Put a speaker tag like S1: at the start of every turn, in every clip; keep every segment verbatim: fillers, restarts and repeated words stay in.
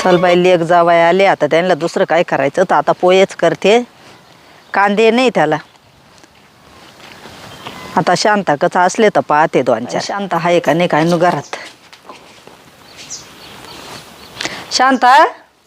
S1: चल बाई लेक जावाय आले आता त्यांना दुसरं काय करायचं तर आता पोहेच करते कांदे नाही त्याला आता शांता कच असले तर पाहते दोन चार शांत आहे का नाही काय नु घरात शांता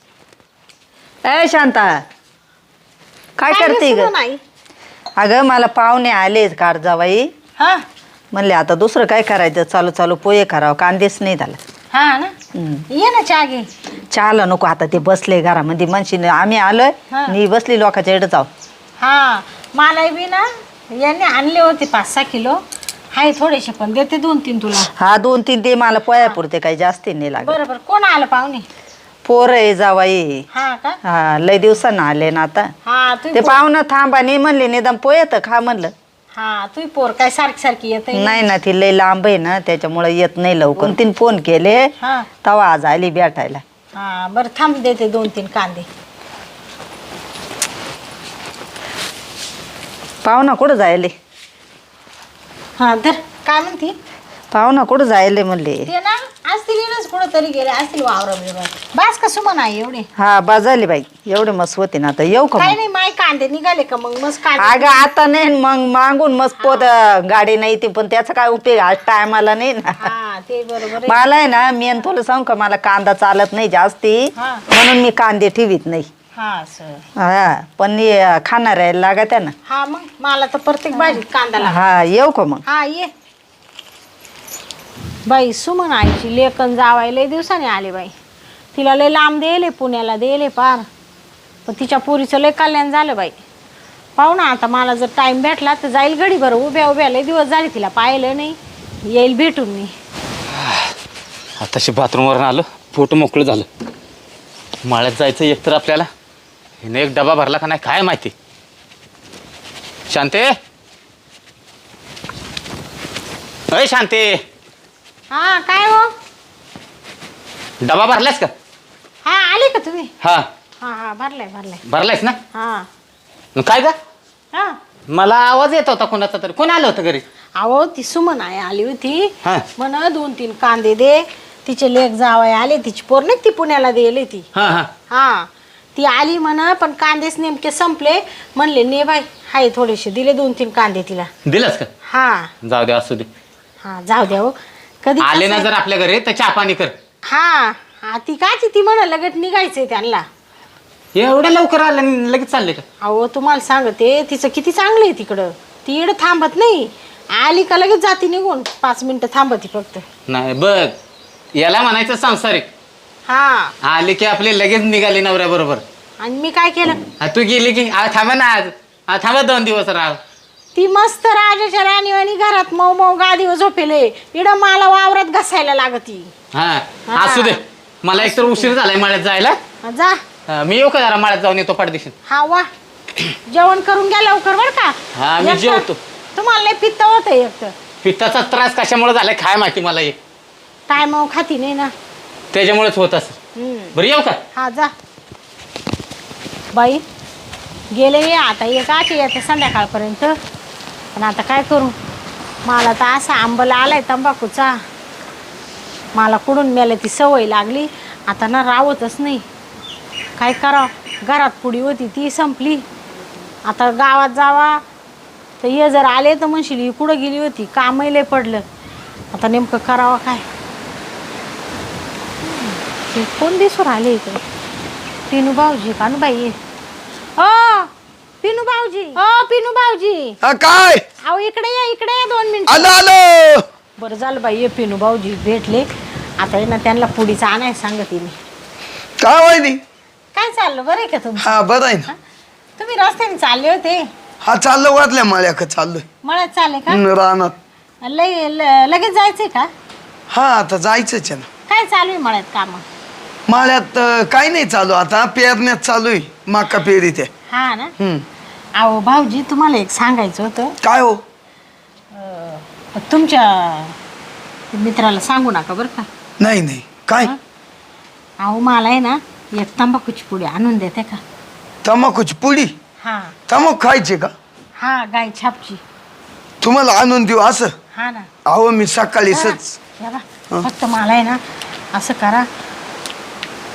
S1: ए शांता काय करते ग अगं मला पाहुणे आले कार जावाई
S2: हा
S1: म्हणले आता दुसरं काय करायचं चालू चालू पोहे करावं कांदेच नाही झाला
S2: हा ना ये ना चहा घे
S1: चहाला नको आता ते बसले घरामध्ये म्हणशील आम्ही आलोय मी बसली लोकांच्या इकडे जाऊ
S2: हा मला बी ना यांनी आणले होते पाच सहा किलो हाय थोडेसे पण देते दोन तीन तुला
S1: हा दोन तीन ते मला पोया पुरते काही जास्ती नाही लागत
S2: बरोबर कोण आलं पाहुणे
S1: पोर आहे जावाई
S2: हा का
S1: हा लय दिवसानं आले ना आता
S2: हा तू
S1: ते पाहुणं थांबा नाही म्हणले निदान पोहे तर खा म्हणलं
S2: हा तू पोर काय सारखी सारखी येत
S1: नाही ना ती लय लांब आहे ना त्याच्यामुळे येत नाही लवकर तीन फोन केले
S2: हा
S1: तवा आज आली भेटायला
S2: हा बरं थांब देते दोन तीन कांदे
S1: पाहुणा कुठं जायले
S2: हा धर काय म्हणते
S1: पाहुणा कुठं जायले म्हणले
S2: ते ना असतील येणंच कुठं तरी गेले असतील वावरा बिवरा बास का सुमन आहे एवढे
S1: हा बाजाली बाई एवढे मस्त होते ना आता येऊ का
S2: काय
S1: मग?
S2: नाही माय कांदे निघाले का मग मस्त कांदे
S1: अगं आता नाही मग मागून मस्त पोत गाडी नाही ती पण त्याचा काय उपयोग आज टायमाला नाही ना
S2: हा ते बरोबर आहे.
S1: मला आहे ना मी आणि तुला सांगू का मला कांदा चालत नाही जास्ती
S2: हा.
S1: म्हणून मी कांदे ठेवीत नाही
S2: हा सर
S1: हा पण हे खाणार आहे लागत आहे ना
S2: हा मग मला तर प्रत्येक भाजीत कांदा लागतो.
S1: हा येऊ का मग
S2: हा ये बाई सुमन आईची लेकन जावाय लय दिवसाने आले बाई तिला लय लांब देले पुण्याला देले पार पण तिच्या पोरीचं लय कल्याण झालं बाई पाहू ना आता मला जर टाइम भेटला तर जाईल घडी बरं उभ्या उभ्या लय दिवस झाले तिला पाहिलं नाही येईल भेटून मी
S3: आताशी बाथरूमवरून आलो पोट मोकळं झालं माळ्यात जायचं एक तर आपल्याला हिने एक डबा भरला का नाही काय माहिती शांते अय शांते
S2: हा काय हो
S3: डबा भरलायस का
S2: हा आले का तुम्ही
S3: हा
S2: हा हा भरलाय भरलाय
S3: भरलायस ना
S2: हा
S3: मग काय का
S2: हा
S3: मला आवाज येत होता कोणाचा तरी कोण आलं होतं घरी
S2: अहो ती सुमन आहे आली होती
S3: हा
S2: म्हण दोन तीन कांदे दे तिचे लेक जावई आले तिची पोर नाही ती पुण्याला दिली ती
S3: हा हा
S2: हा ती आली म्हण पण कांदेच नेमके संपले म्हणले ने बाई हाय थोडेसे दिले दोन तीन कांदे तिला
S3: दिलंस का
S2: हा
S3: जाऊ दे असू दे
S2: हा जाऊ द्या हो कधी
S3: आले ना
S2: कसं-
S3: जर आपल्या घरी तर चहा पाणी कर
S2: हा हा ती काची ती म्हण लगेच निघायचंय त्यांना
S3: एवढ्या लवकर आलं आणि लगेच चालले का
S2: अहो तुम्हाला सांगते तिचं किती चांगलं आहे तिकडं ती इकडं थांबत नाही आली का लगेच जाती निघून पाच मिनिटं थांबती फक्त
S3: नाही बघ याला म्हणायचं सांसारिक
S2: हा
S3: आले की आपले लगेच निघाले नवऱ्या बरोबर
S2: आणि मी काय केलं
S3: तू गेली की आ, थांबा ना आज आ, थांबा दोन दिवस राह
S2: ती मस्त राजाच्या राणीवाणी घरात मऊ मऊ गादीवर झोपेले इडं मला वावरात घसायला लागती
S3: हा
S2: हा.
S3: असू दे मला एकतर उशीर झालाय माळ्यात जायला
S2: हा, जा
S3: हा, मी येऊ का जरा माळ्यात जाऊन येतो पाठदिशी
S2: हा वा जेवण करून घ्या लवकर बर का
S3: हा, मी
S2: एकतर
S3: जेवतो.
S2: तुम्हाला लय पित्त होत एक तर
S3: पित्ताचा त्रास कशामुळे झालाय काय माहिती मला एक
S2: टायमाव खाती नाही ना
S3: त्याच्यामुळेच होत असं
S2: हम्म.
S3: बरं येऊ का
S2: हा जा बाई गेले ये आता एक आठ येते संध्याकाळपर्यंत पण आता काय करू मला तर असा आंबला आलाय तंबाखूचा मला कुठून मेले ती सवय लागली आता ना राहतच नाही काय करावं घरात पुडी होती ती संपली आता गावात जावा तर ये जर आले तर म्हणशील ही कुठं गेली होती कामही लय पडलं आता नेमकं करावं काय हे कोण दिसून आले इकडे पिनू भाऊजी कानू बाई ओ पिनू भाऊजी ओ पिनू भाऊजी
S4: हा काय
S2: अहो इकडे या इकडे या दोन मिनिट
S4: आलो आलो
S2: बरं झालं बाई ये पिनू भाऊजी भेटले आता ना त्यांना पुडीचा आणाय सांगते मी
S4: काय वाहिनी
S2: काय चाललं बरं आहे का तुम्ही
S4: हा बरं आहे ना
S2: तुम्ही रस्त्याने चालले होते
S4: हा चाललं वाटल्या माळ्याक चाललोय
S2: मळ्यात चालले का
S4: हम्म, रानात
S2: लय ल- लगेच जायचंय का
S4: हा आता जायचंच आहे ना
S2: काय चालू आहे मळ्यात काम
S4: माळ्यात अं, काही नाही चालू आता पेरण्यात चालू आहे माका पेरी ते
S2: हा ना
S4: हम्म.
S2: अहो भाऊजी तुम्हाला एक सांगायचं होतं
S4: काय हो
S2: अं, तुमच्या मित्राला सांगू नका बरं का
S4: नाही नाही काय
S2: हा? अहो मला आहे ना एक तंबाखूची पुडी आणून देते का
S4: तंबाखूची पुडी
S2: हा
S4: तंबाखू खायची का
S2: हा गाय छापची
S4: तुम्हाला आणून देऊ असं
S2: हा ना
S4: अहो मी सकाळी सच
S2: या बा, फक्त मला आहे ना असं करा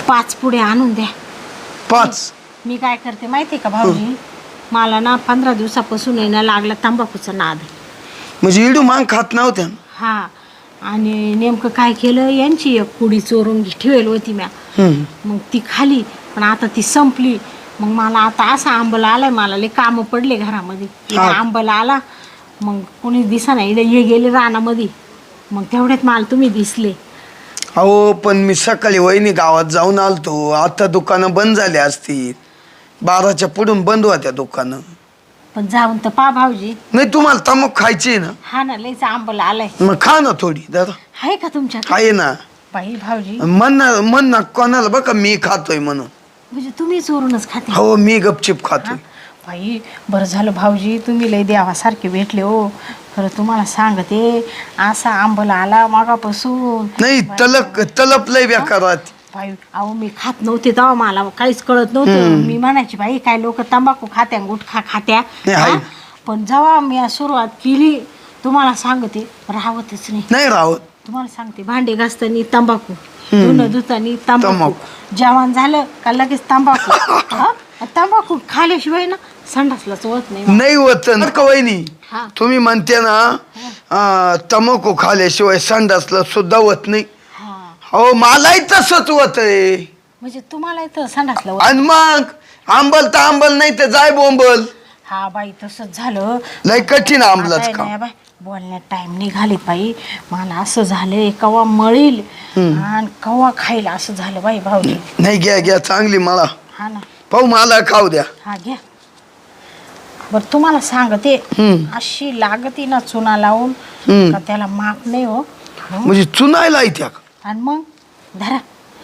S2: पाच पुढे आणून द्या.
S4: पाच.
S2: मी काय करते माहिती का भाऊजी, मला ना पंधरा दिवसापासून येणं लागला तंबाखूचा नाद.
S4: म्हणजे इडू मांग खात नव्हत्या ना?
S2: हा, आणि नेमकं काय केलं, यांची एक कुडी चोरून ठेवेल होती म्या.
S4: हम्म.
S2: मग ती खाली, पण आता ती संपली. मग मला आता असा आंबला आलाय, मला लय कामं पडले घरामध्ये.
S4: हा.
S2: आंबला आला, मग कोणी दिसा नाही, हे गेले रानामध्ये. मग तेवढ्यात मला तुम्ही दिसले.
S4: अहो पण मी सकाळी वहिनी गावात जाऊन आलतो. आता दुकानं बंद झाली असतील, बाराच्या पुढून बंद होत्या दुकानं.
S2: पण जाऊन तर पा भाऊजी.
S4: नाही तुम्हाला तमक खायची आहे ना?
S2: हा ना, लयच आंबला आलाय.
S4: मग खा ना थोडी दादा.
S2: आहे का तुमच्या?
S4: आहे ना.
S2: बाई भाऊजी,
S4: म्हण ना म्हण ना कोणाला बघा मी खातोय म्हणून.
S2: म्हणजे तुम्ही चोरूनच खाते?
S4: हो मी गपचिप खातोय.
S2: बाई बरं झालं भाऊजी, तुम्ही लय देवासारखे भेटले हो. खरं तुम्हाला सांगते, असा आंबला आला मागापासून.
S4: नाही तलक तलप लय बेकार राहते.
S2: बाई अहो मी खात नव्हते तेव्हा, मला काहीच कळत नव्हतं. मी म्हणायची बाई काय लोक तंबाखू खात्या, गुटखा खात्या.
S4: नाही, आहे.
S2: हा? पण जेव्हा मी सुरुवात केली, तुम्हाला सांगते राहतच नाही.
S4: नाही राहत.
S2: तुम्हाला सांगते, भांडे घासताना तंबाखू, धुणं धुतानी तंबाखू,
S4: तंबाखू.
S2: जेवण झालं का लगेच तंबाखू. हा? तंबाखू खाल्याशिवाय ना संडासलाच होत नाही.
S4: नाही होत ना का वहिनी?
S2: हा.
S4: तुम्ही म्हणते ना अं, तंबाखू खाल्याशिवाय संडासला सुद्धा होत नाही.
S2: हा,
S4: हो मलाही तसंच होत आहे.
S2: म्हणजे तुम्हाला इथं संडासला होत.
S4: आणि मग आंबल तर आंबल, नाही तर जाय बोंबल.
S2: हा बाई तसंच झालं.
S4: लय कठीण
S2: आता
S4: आंबलाच
S2: आहे
S4: का?
S2: ना बाई, बोलण्यात टाइम निघाली बाई. मला असं झालंय, कवा मळील आणि कवा खाईल असं झालं बाई भाऊजी.
S4: नाही घ्या घ्या चांगली मला.
S2: हा ना.
S4: पाहू मला खाऊ द्या.
S2: हा घ्या. बरं तुम्हाला सांगते,
S4: हम्म.
S2: अशी लागती ना चुना लावून
S4: हम्म.
S2: का त्याला माप नाही हो. हं?
S4: म्हणजे चुनायला येत्या का?
S2: आणि मग धरा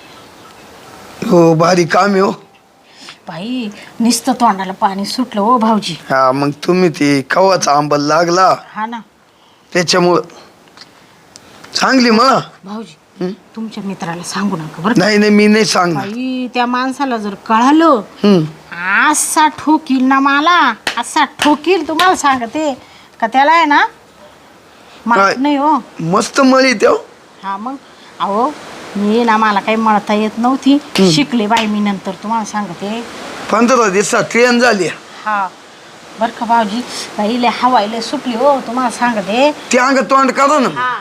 S4: हो भारी काम आहे हो.
S2: बाई, नुसतं तोंडाला पाणी सुटलं हो भाऊजी.
S4: हा मग तुम्ही ते खवाचा आंबल लागला
S2: हा ना
S4: त्याच्यामुळं चांगली मला.
S2: भाऊजी,
S4: हं?
S2: तुमच्या मित्राला सांगू नका बरं का.
S4: नाही नाही मी नाही सांगणार.
S2: बाई त्या माणसाला जर कळालं,
S4: हम्म.
S2: असा ठोकील ना मला, असा ठोकील तुम्हाला सांगते का त्याला आहे ना
S4: काय?
S2: माफ नाही हो.
S4: मस्त मळी त्या.
S2: हा मग अहो मी ना, मला काही मळता येत नव्हती, शिकले बाई मी नंतर तुम्हाला सांगते.
S4: पंधरा दिवसात ट्रेन झाली.
S2: हा बरं का भाऊजी, बाई लय हवा लय सुटली हो तुम्हाला सांगते.
S4: ते अंग तोंड करा ना.
S2: हा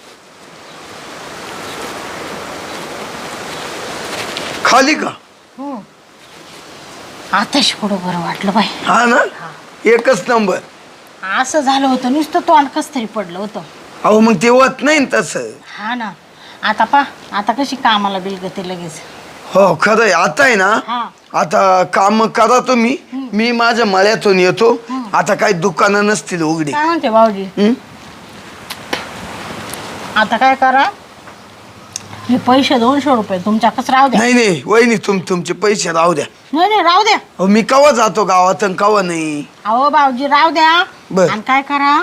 S4: खाली का?
S2: हं. आताच पुढं बरं वाटलं बाई.
S4: हा ना, एकच नंबर.
S2: असं झालं होतं, नुसतं तोंड कस तरी पडलं होतं.
S4: अहो मग ते होत नाही ना तसं.
S2: हा ना. आता पा, आता कशी कामाला बिलगते लगेच.
S4: हो खरं आहे. आता आहे ना,
S2: हा.
S4: आता काम करा तुम्ही, मी माझ्या मळ्यातून येतो. आता काही दुकानं नसतील उघडी.
S2: काय म्हणते भाऊजी,
S4: हं?
S2: आता काय करा, हे पैसे दोनशे रुपये तुमच्याकच राहू द्या.
S4: नाही नाही वहिनी, तुम तुमचे पैसे राहू द्या.
S2: नाही नाही राहू द्या.
S4: अहो मी कवा जातो गावात आणि कवा नाही.
S2: अहो भाऊजी राहू द्या.
S4: बर.
S2: आणि काय करा,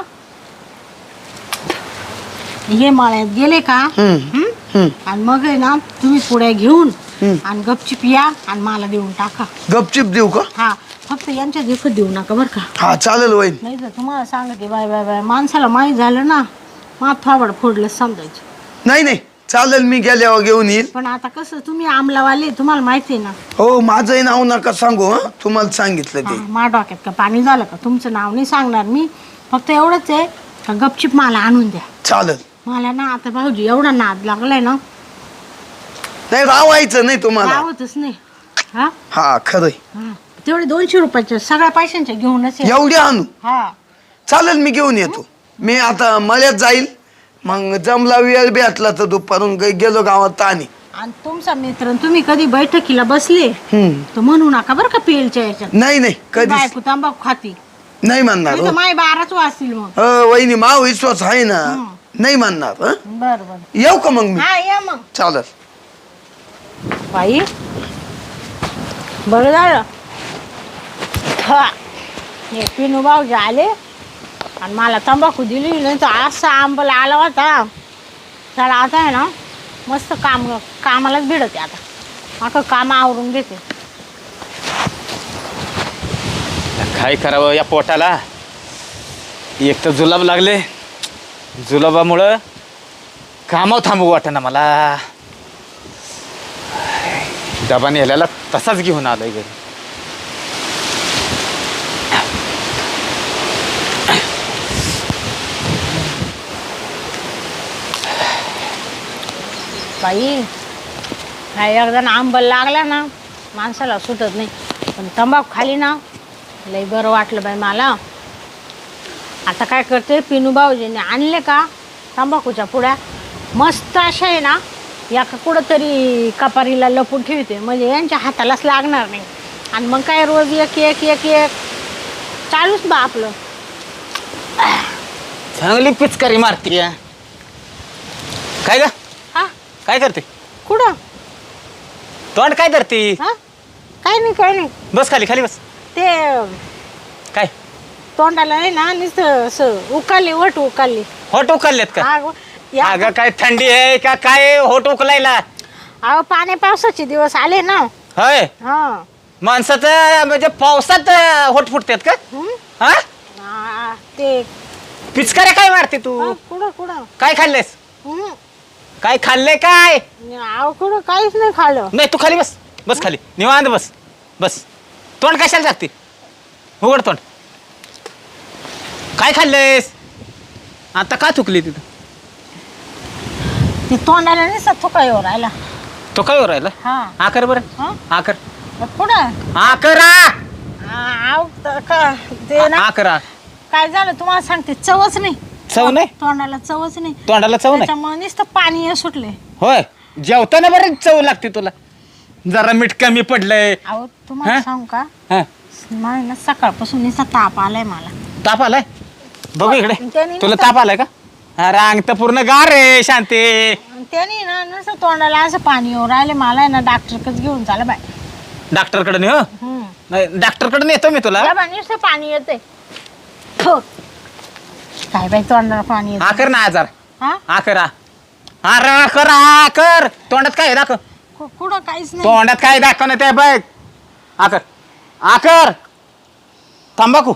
S2: हे मळ्यात गेले का,
S4: हं.
S2: हं?
S4: हं.
S2: आणि मग आहे ना तुम्ही पुढे घेऊन
S4: हं.
S2: आणि गपचिप या आणि मला देऊन टाका.
S4: गपचिप देऊ का?
S2: हा, फक्त यांच्या देखत देऊ नका बरं का.
S4: हा चालेल वहिनी.
S2: नाही तर तुम्हाला सांगते बाय बाय बाय, माणसाला माहीत झालं ना, मग थोबड फोडलं समजायचं.
S4: नाही नाही चालेल, मी गेल्यावर घेऊन येईल.
S2: पण आता कसं, तुम्ही आमलावाले, तुम्हाला माहिती आहे ना.
S4: हो माझंही नाव नका सांगू. हं तुम्हाला सांगितलं
S2: हा,
S4: ते.
S2: मा डोक्यात का पाणी झालं का, तुमचं नाव नाही सांगणार मी. फक्त एवढंच आहे का गपचिप मला आणून द्या.
S4: चालेल.
S2: मला ना आता भाऊजी एवढा नाद लागलाय ना,
S4: नाही रावायचं नाही तुम्हाला.
S2: राहतच नाही. हा
S4: हा खरंय.
S2: हा, तेवढे दोनशे रुपयाच्या सगळ्या पैशांच्या घेऊनच या.
S4: एवढे आणू.
S2: हा
S4: चालेल मी घेऊन येतो. मी आता मळ्यात जाईल, मग जमला वेळ भेटला तर दुपारून गे- गेलो गावात आणि
S2: आणि तुमचा मित्र आणि तुम्ही कधी बैठकीला बसले
S4: हम्म.
S2: तर म्हणू नका बरं का पेलच्या याच्यात
S4: नाही नाही कधीच
S2: बायको तंबाखू खाती.
S4: नाही म्हणणार.
S2: नाही तर माय बाराच वाजतील मग.
S4: हो वहिनी माव विश्वास आहे ना.
S2: हं.
S4: नाही म्हणणार. हं?
S2: बर बर.
S4: येऊ का मग मी?
S2: हा या मग.
S4: चालेल.
S2: बाई बरं झालं, हा हे पिनू भाऊजी आले आणि मला तंबाखू दिली, नाही तर असा आंबला आला होता. चला आता आहे ना मस्त काम कामालाच भिडते. आता आता काम आवरून घेते.
S3: काय करावं या पोटाला. एक तर जुलाब लागले, जुलाबामुळं कामावर थांबू वाटेना मला. डबा नेल्याला तसाच घेऊन आलोय घरी.
S2: बाई काय एकदा आंबल लागला ना माणसाला सुटत नाही. पण तंबाखू खाली ना लई बरं वाटलं बाई मला. आता काय करते पिनू भाऊजीने आणले का तंबाखूच्या पुड्या मस्त अशा आहे ना एका कुठंतरी कपारीला लपून ठेवते म्हणजे यांच्या हातालाच लागणार नाही. आणि मग काय रोज एक एक एक एक चालूच बा आपलं.
S3: चांगली पिचकारी मारती. काय ग
S2: हा
S3: काय करते?
S2: कुठं
S3: तोंड काय करते?
S2: हा काय नाही काय नाही.
S3: बस खाली खाली बस.
S2: ते
S3: काय
S2: तोंडाला आहे ना नुसतं असं उकाली वट उकाली.
S3: होट उकललेत का?
S2: अगं या-
S3: अगं काय थंडी आहे का काय होट उकलायला?
S2: अहो पाण्या पावसाचे दिवस आले ना.
S3: होय
S2: हा
S3: माणसाचं म्हणजे पावसात होट फुटतात का?
S2: हं?
S3: हा
S2: आ, ते
S3: पिचकाऱ्या काय मारते तू?
S2: हा, कुठं कुठं
S3: काय खाल्लेस?
S2: हं.
S3: काय खाल्लंय काय?
S2: अहो कुठं काहीच नाही खाल्लं.
S3: नाही तू खाली बस बस खाली निवांत बस बस. तोंड कशाला टाकते? उघड तोंड. काय खाल्लंयस? आता का थुकली तिथं?
S2: ते तोंडाला नाही थुका येऊ राहिला.
S3: तो काय राहिला?
S2: हा
S3: आकर बरं
S2: हा?
S3: आकर
S2: कुठं
S3: आकरा
S2: आ, अहो, त- का- ते ना
S3: आकरा.
S2: काय झालं तुम्हाला सांगते चवच नाही.
S3: चव नाही?
S2: तोंडाला चवच नाही.
S3: तोंडाला चव नाही?
S2: त्याच्यामुळे नुसतं पाणी सुटले.
S3: होय जेवताना बरं चव लागते तुला. जरा मीठ कमी पडलंय.
S2: अहो तुम्हाला
S3: हा?
S2: सांगू का
S3: हा
S2: मला ना सकाळपासून नुसता ताप आलाय मला.
S3: ताप आलाय? बघू इकडे.
S2: त्याने
S3: तुला
S2: नुसतं-
S3: ताप आलाय का? अरे अंग तर पूर्ण गार रे शांती.
S2: आणि त्याने ना नुसतं तोंडाला असं पाणी येऊ राहिले मला आहे ना डॉक्टरकच घेऊन चाला बाय.
S3: डॉक्टरकडे नाही हो.
S2: हम्म.
S3: नाही डॉक्टरकडे नेतो मी तुला.
S2: या बाई, नुसतं पाणी येते. काय बाई तोंडाला पाणी येत.
S3: आकर ना आजार
S2: हा
S3: आकरा. अरे आकर आकर. तोंडात काय आहे दाखव.
S2: कु- कुठं काहीच नाही.
S3: तोंडात काय दाखव ना त्या बघ. आकर आकर. तंबाखू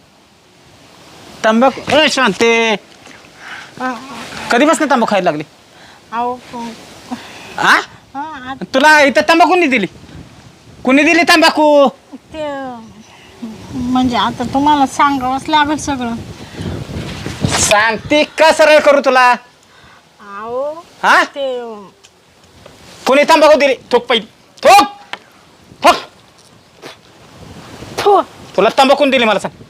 S3: तंबाखू ए शांते.
S2: हा,
S3: कधीपासून तंबाखू खायला लागली?
S2: अहो क-
S3: आ
S2: हा, आ-
S3: तुला इथं तंबाखू कुणी दिली? कुणी दिली तंबाखू?
S2: ते म्हणजे आता तुम्हाला सांगावंच लागेल सगळं.
S3: सांगते का सरळ करू तुला?
S2: अहो
S3: हा
S2: ते
S3: कुणी तंबाखू दिली? थोक पहिली थोक थोक.
S2: थू,
S3: तुला तंबाखू दिली मला सांग.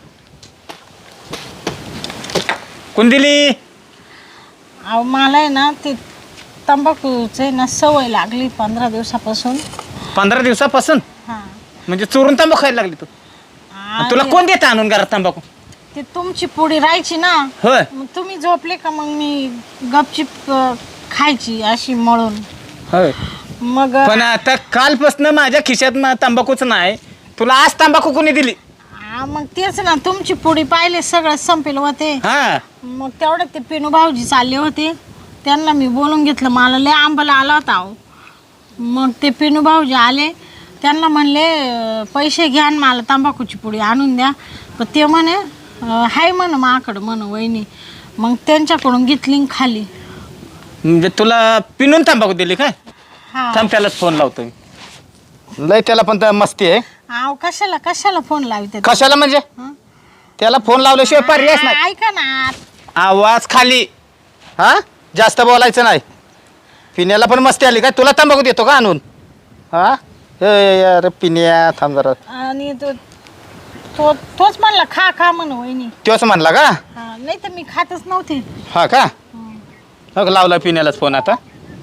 S3: कोण दिली?
S2: अहो मला आहे ना ते तंबाखूचे ना सवय लागली पंधरा दिवसापासून.
S3: पंधरा दिवसापासून?
S2: हा
S3: म्हणजे चोरून तंबाखू खायला लागली तू?
S2: आणि
S3: तुला कोण देतं आणून घरात तंबाखू?
S2: ते तुमची पुडी राहायची ना
S3: होय
S2: मग तुम्ही झोपले का मग मी गपचिप अ, खायची अशी मळून.
S3: होय
S2: मग
S3: पण आता कालपासून माझ्या खिशात ना तंबाखूच नाही. तुला आज तंबाखू कोणी दिली?
S2: हा, मग तेच ना तुमची पुडी पाहिले सगळं संपेल होते.
S3: हा
S2: मग तेवढं ते पिनू भाऊजी चालले होते त्यांना मी बोलून घेतलं. मला लय आंबाला आला होता अहो. मग ते पिनू भाऊजी आले त्यांना म्हणले अ, पैसे घ्या आणि मला तंबाखूची पुडी आणून द्या. पण ते म्हणे अ, हाय म्हण माकडं म्हण वहिनी. मग त्यांच्याकडून घेतली आणि खाली.
S3: म्हणजे तुला पिनून तंबाखू दिली काय?
S2: हा
S3: थांब त्यालाच फोन लावतो मी. लय त्याला पण तर मस्ती आहे.
S2: अहो कशाला कशाला फोन लावते.
S3: कशाला म्हणजे?
S2: हं?
S3: त्याला फोन लावल्याशिवाय पर्यायच नाही.
S2: ऐका ना
S3: आवाज खाली. हा जास्त बोलायचं नाही. पिण्याला पण मस्ती आली काय? तुला तंबाखू देतो का आणून? हा ए अरे पिण्या थांब जरा.
S2: आणि तो तो तोच म्हणला खा खा म्हण वहिनी.
S3: तोच म्हणला का?
S2: हा नाही तर मी खातच नव्हते.
S3: हा का? हो लावला पिण्यालाच फोन आता.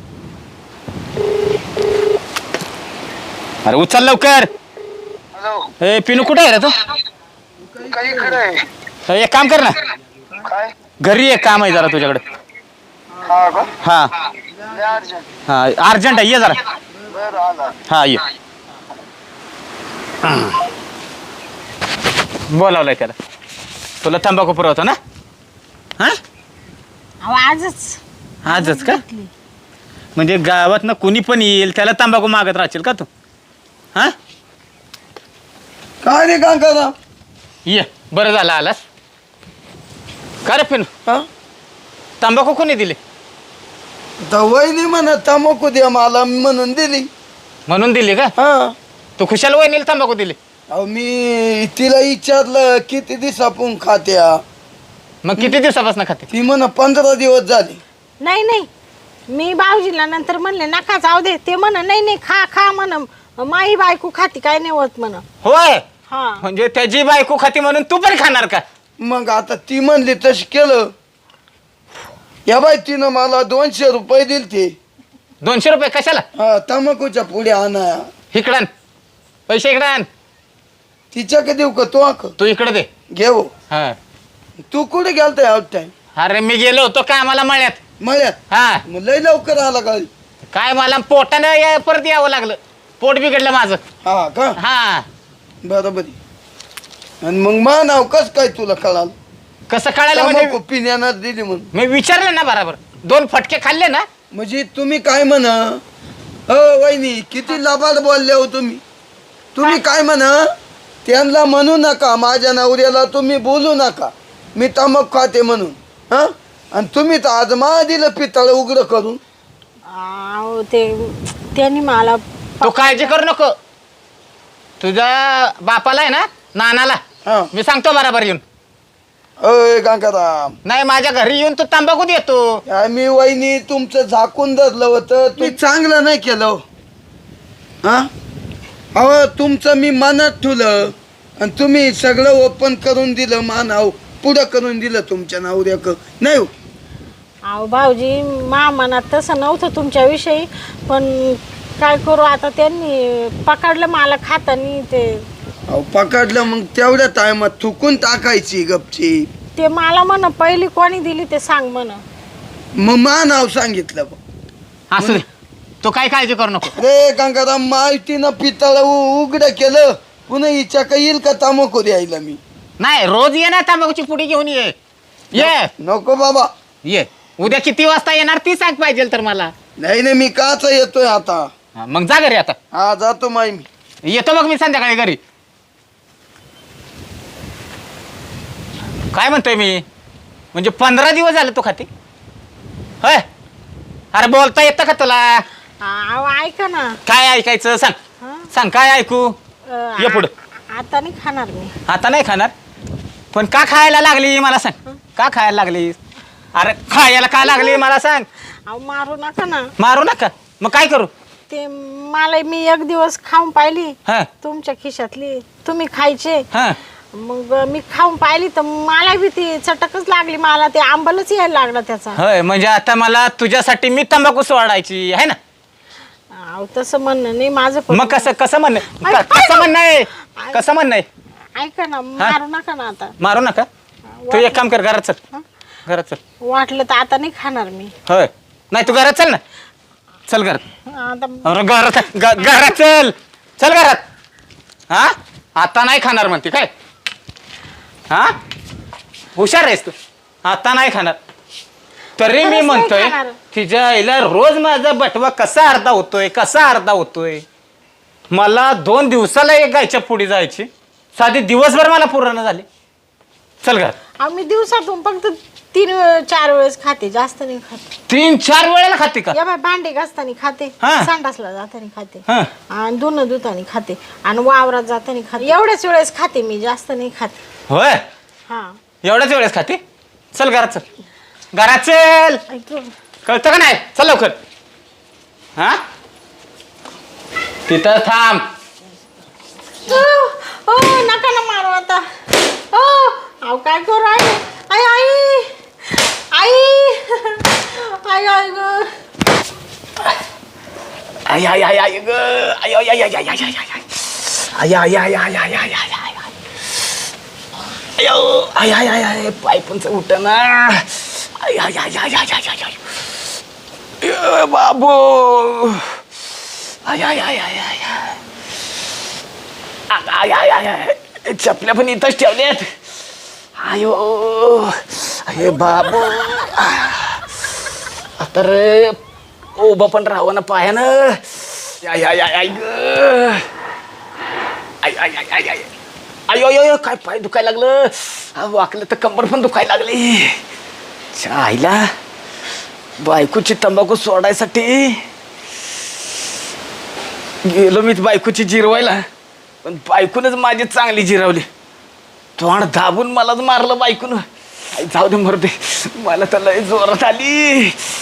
S3: अरे उचल लवकर.
S5: हॅलो
S3: ए पिनू कुठे आहे रे तू?
S5: काही खरं आहे
S3: हे एक काम कर ना.
S5: काय
S3: घरी एक काम आहे जरा तुझ्याकडे.
S5: हा का
S3: हा
S5: लय अर्जंट
S3: हा अर्जंट आहे ये जरा.
S5: बरं आला
S3: हा ये. बोलावलंय त्याला. तुला तंबाखू पुरवतो ना? हा
S2: अहो आजच
S3: आजच का?
S2: घेतली.
S3: म्हणजे गावात ना कुणी पण येईल त्याला तंबाखू मागत राहशील का तू? हा
S4: काय रे काका?
S3: ये बरं झालं आलास. का रे पिनू
S4: हा
S3: तंबाखू कोणी दिली?
S4: तर वहिनी म्हणत तंबाखू द्या मला म्हणून दिली.
S3: म्हणून दिली का?
S4: हा
S3: तू खुशाल वहिनीला तंबाखू दिली?
S4: अहो मी तिला विचारलं किती दिवस आपण खात्या,
S3: मग किती दिवसापासून खाते?
S4: ती म्हण पंधरा दिवस झाले.
S2: नाही नाही, मी भाऊजीला नंतर म्हणले नका जाऊ दे, ते म्हण नाही नाही खा खा म्हण, माई बायको खाती काय नाही होत म्हण.
S3: होय,
S2: हा
S3: म्हणजे त्याची बायको खाती म्हणून तू पण खाणार का?
S4: मग आता ती म्हणली तशी केलं. या बाई तिनं मला दोनशे रुपये दिले ते.
S3: दोनशे रुपये कशाला?
S4: हा तंबाखूच्या पुढे आणा.
S3: इकडं आण. पैसे इकडे आण.
S4: तिच्याकडे देऊ का तो आक
S3: तू इकडे दे.
S4: घेऊ.
S3: हा.
S4: तू कुठे गेलता आउट टाइम?
S3: अरे मी गेलो होतो कामाला मळ्यात.
S4: मळ्यात?
S3: हा.
S4: मग लय लवकर आला का?
S3: काय मला पोटानं या- परत यावं लागलं, पोट बिघडलं माझं.
S4: हा का?
S3: हा.
S4: बरोबर आहे. आणि मग मा नाव कस काय तुला कळाल?
S3: कसं कळायला
S4: तंबाखू
S3: म्हणजे?
S4: पिण्यानं दिली म्हणून.
S3: मी विचारलं ना बरोबर, दोन फटके खाल्ले ना.
S4: म्हणजे तुम्ही काय म्हणा हो वहिनी, किती लबाड बोलले हो तुम्ही. तुम्ही काय म्हणा, त्यांना म्हणू नका माझ्या नवऱ्याला तुम्ही बोलू नका मी तंबाखू खाते म्हणून. हा आणि तुम्ही तर आज मा दिलं पितळ उघड करून.
S2: अहो ते त्यांनी मला
S3: तू काळजी करू नको. तुझ्या बापाला आहे ना, नानाला
S4: हा
S3: मी सांगतो बरोबर येऊन.
S4: अय गंगाराम,
S3: नाही माझ्या घरी येऊन तू तंबाखू देतो.
S4: मी वहिनी तुमचं झाकून धरलं होतं, तुम्ही चांगलं नाही केलं. हा अहो तुमचं मी मनात ठेवलं आणि तुम्ही सगळं ओपन करून दिलं. मानाव पुढं करून दिलं तुमच्या नवऱ्याक नाही हो.
S2: अहो भाऊजी मा मनात तसं नव्हतं तुमच्याविषयी, पण काय करू आता, त्यांनी पकडलं मला खातानी. ते
S4: अहो पकडलं मग तेवढ्या टायमात थुकून टाकायची गपची.
S2: ते मला म्हण पहिली कोणी दिली ते सांग म्हण.
S4: मग मा नाव सांगितलं बघ.
S3: असू दे, तू काय काळजी करू नको.
S4: रे गंगाराम, माहितीनं पितळ उघड केलं, पुन्हा हिच्या का येईल का तंबाखू द्यायला मी?
S3: नाही, रोज ये ना तंबाखूची पुडी घेऊन ये. ये
S4: नको बाबा.
S3: ये. उद्या किती वाजता येणार ती सांग पाहिजे तर मला.
S4: नाही नाही, मी काच येतोय आता.
S3: हा, मग जा घरी आता.
S4: हा जातो माई मी.
S3: येतो मग मी संध्याकाळी घरी. काय म्हणतोय मी, म्हणजे पंधरा दिवस झाले तू खाते होय? अरे बोलता येतं का तुला?
S2: अहो ऐका ना.
S3: काय ऐकायचं सांग.
S2: हा?
S3: सांग काय ऐकू.
S2: अं,
S3: ये पुढं.
S2: आ- आता नाही खाणार मी.
S3: आता नाही खाणार, पण का खायला लागली मला सांग. का खायला लागली? अरे खायला का लागली मला सांग.
S2: अहो मारू नका ना.
S3: मारू नका, मग काय करू?
S2: ते मला मी एक दिवस खाऊन पाहिली
S3: हा
S2: तुमच्या खिशातली, तुम्ही खायचे.
S3: हा.
S2: मग मी खाऊन पाहिली तर मला बी ती चटकच लागली, मला ते आंबलच यायला लागला त्याचा.
S3: होय, म्हणजे आता मला तुझ्यासाठी मी तंबाखू सोडायची आहे ना?
S2: अहो तसं म्हणणं नाही माझं पण.
S3: मग कसं कसं म्हणणं
S2: ऐक-
S3: क- कसं म्हणणं आहे कसं म्हणणं आहे?
S2: ऐका ना, मारू नका ना आता.
S3: मारू नका. तू एक काम कर, घरात चल.
S2: हा?
S3: घरात चल.
S2: वाटलं तर आता नाही खाणार मी.
S3: होय, नाही तू घरात चल ना. चल घरात.
S2: आता
S3: अरे घरात ग- घरात चल. चल घरात. हा, आता नाही खाणार म्हणते काय? हा, हुशार आहेस तू. आता नाही खाणार तरी मी
S2: खरंच नाही
S3: म्हणतोय
S2: खाणार.
S3: तिच्या आईला रोज माझा बटवा कसा अर्धा होतोय कसा अर्धा होतोय. मला दोन दिवसाला एक गायच्या पुढे जायची, साधी दिवसभर मला पूर्ण झाली. चल घरात.
S2: अहो, मी दिवसातून फक्त तीन वेळ चार वेळेस खाते, जास्त नाही खाते.
S3: तीन चार वेळेला खाते का?
S2: या बाय भांडे घासताना खाते,
S3: हा.
S2: संडासला जाताना खाते,
S3: हा.
S2: आणि धुणं धुताना खाते, आणि वावरात जाताना खाते. एवढ्याच वेळेस खाते मी, जास्त नाही खाते.
S3: होय,
S2: हा
S3: एवढ्याच वेळेस खाते. चल घरात चल. घरात चल.
S2: ऐकू.
S3: कळतं का नाही? चल लवकर. हा, तिथं थांब.
S2: ओ, ओ, नका ना मारू आता. ओ, अहो काय करू राहिले? आई आई आई आई आई ग.
S3: आय आय आय आय ग. आय आय आय आय आय आय आय आय. आय आय आय आय आय आय आय आय. अयो, आय आय आय आय, पाय पण उठना. आय आय आय आय आय आय आय. ए बाबू. आय आय आय आय आय. आय आय आय आय. चपल्या पण इथंच ठेवल्यात. आयो, अरे बाबू. आता रे उभं पण राहावं ना पायानं. आय आय आय आय ग. आय आय आय आय आय. अयो अयो, काय पाय दुखायला लागलं. वाकलं तर कंबर पण दुखायला लागली. आईला बायकोची तंबाखू सोडायसाठी गेलो मी बायकोची जिरवायला, पण बायकूनच माझी चांगली जिरवली. तोंड दाबून मलाच मारलं बायकून. आई जाऊ दे मरू दे, मला तर लय जोरात आली.